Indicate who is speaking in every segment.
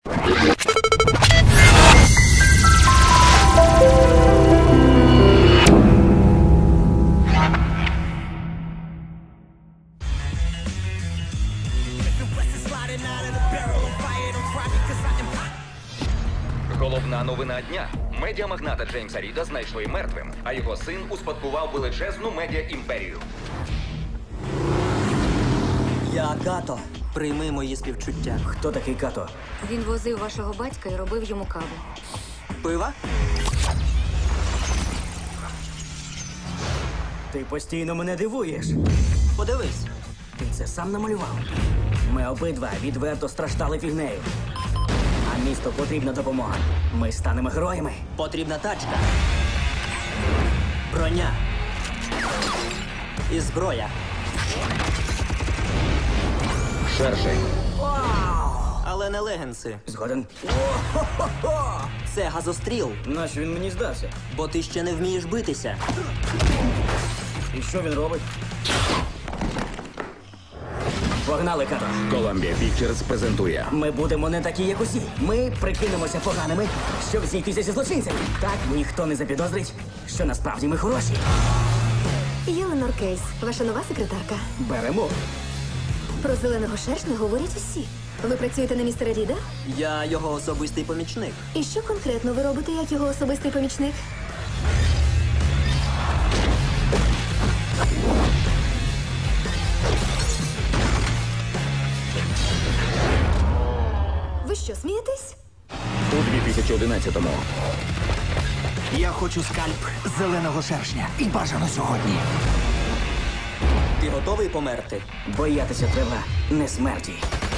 Speaker 1: Головна новина дня. Медіамагната Джеймса Ріда знайшли мертвим, а його син успадкував величезну медіа-імперію.
Speaker 2: Я Като. Прийми мої співчуття.
Speaker 3: Хто такий Като?
Speaker 4: Він возив вашого батька і робив йому каву.
Speaker 2: Пива?
Speaker 3: Ти постійно мене дивуєш.
Speaker 2: Подивись.
Speaker 3: Ти це сам намалював. Ми обидва відверто страждали фігнею. А місту потрібна допомога. Ми станемо героями.
Speaker 2: Потрібна тачка. Броня. І зброя.
Speaker 1: Шершень.
Speaker 2: Але не легенси.
Speaker 3: Згоден?
Speaker 2: Це газостріл,
Speaker 3: Нащо він мені здався?
Speaker 2: бо ти ще не вмієш битися.
Speaker 3: І що він робить? Погнали, Като.
Speaker 1: Columbia Pictures презентує.
Speaker 3: Ми будемо не такі, як усі. Ми прикинемося поганими, щоб зійтися зі злочинцями. Так ніхто не запідозрить, що насправді ми хороші.
Speaker 4: Єленор Кейс, ваша нова секретарка.
Speaker 3: Беремо.
Speaker 4: Про зеленого шершня говорять усі. Ви працюєте на містера Ріда?
Speaker 2: Я його особистий помічник.
Speaker 4: І що конкретно ви робите як його особистий помічник? Ви що, смієтесь?
Speaker 1: У 2011-му.
Speaker 5: Я хочу скальп зеленого шершня. І бажано сьогодні.
Speaker 2: Ти готовий померти?
Speaker 3: Боятися треба не смерті,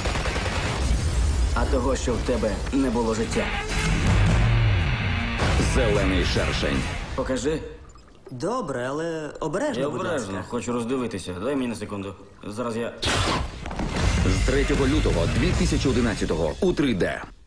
Speaker 3: а того, що в тебе не було життя.
Speaker 1: Зелений шершень.
Speaker 3: Покажи.
Speaker 2: Добре, але обережно,
Speaker 3: Я
Speaker 2: будь
Speaker 3: обережно,
Speaker 2: ласка.
Speaker 3: хочу роздивитися. Дай мені на секунду. Зараз я...
Speaker 1: З 3 лютого 2011-го у 3D.